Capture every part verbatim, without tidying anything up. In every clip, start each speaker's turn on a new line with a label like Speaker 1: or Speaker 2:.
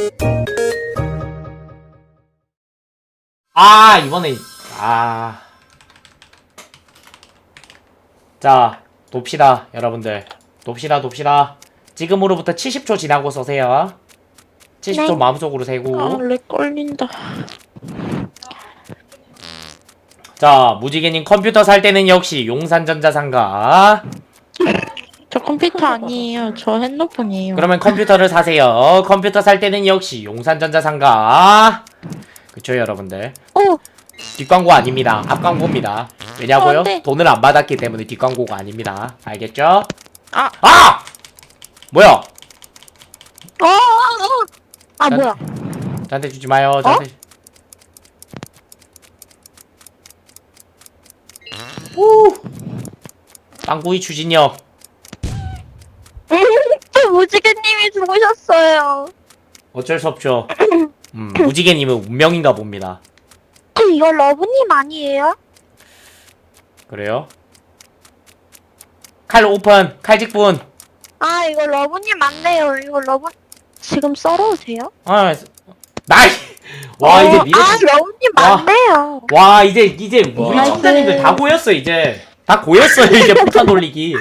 Speaker 1: 아 이번에 아 자 돕시다 여러분들. 돕시다 돕시다. 지금으로부터 칠십 초 지나고 서세요. 칠십 초
Speaker 2: 네.
Speaker 1: 마음속으로 세고.
Speaker 2: 아, 렉 걸린다.
Speaker 1: 자 무지개님 컴퓨터 살 때는 역시 용산전자상가.
Speaker 2: 저 컴퓨터 아니에요. 저 핸드폰이에요.
Speaker 1: 그러면 컴퓨터를 사세요. 컴퓨터 살 때는 역시 용산전자상가. 그쵸 여러분들.
Speaker 2: 오!
Speaker 1: 뒷광고 아닙니다. 앞광고입니다. 왜냐고요?
Speaker 2: 어, 네.
Speaker 1: 돈을 안 받았기 때문에 뒷광고가 아닙니다. 알겠죠?
Speaker 2: 아!
Speaker 1: 아! 뭐야?
Speaker 2: 어! 아,
Speaker 1: 난-
Speaker 2: 뭐야?
Speaker 1: 저한테 주지 마요. 저한테. 오! 빵구이 추진력.
Speaker 2: 무지개님이 죽으셨어요.
Speaker 1: 어쩔 수 없죠. 음, 무지개님은 운명인가 봅니다.
Speaker 2: 이거 러브님 아니에요?
Speaker 1: 그래요? 칼 오픈. 칼직분.
Speaker 2: 아, 이거 러브님 맞네요. 이거 러브 지금 썰어오세요?
Speaker 1: 아, 나이. 와 이제 미래.
Speaker 2: 아, 러브님
Speaker 1: 와.
Speaker 2: 맞네요.
Speaker 1: 와 이제 이제 우리
Speaker 2: 나이스.
Speaker 1: 청자님들 다 고였어 이제. 다 고였어요 이제 폭탄 돌리기.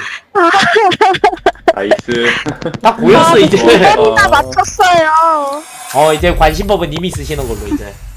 Speaker 3: 나이스.
Speaker 1: 다 고였어
Speaker 2: 아,
Speaker 1: 이제.
Speaker 2: 두 번이나 맞췄어요.
Speaker 1: 어 이제 관심법은 님이 쓰시는 걸로 이제.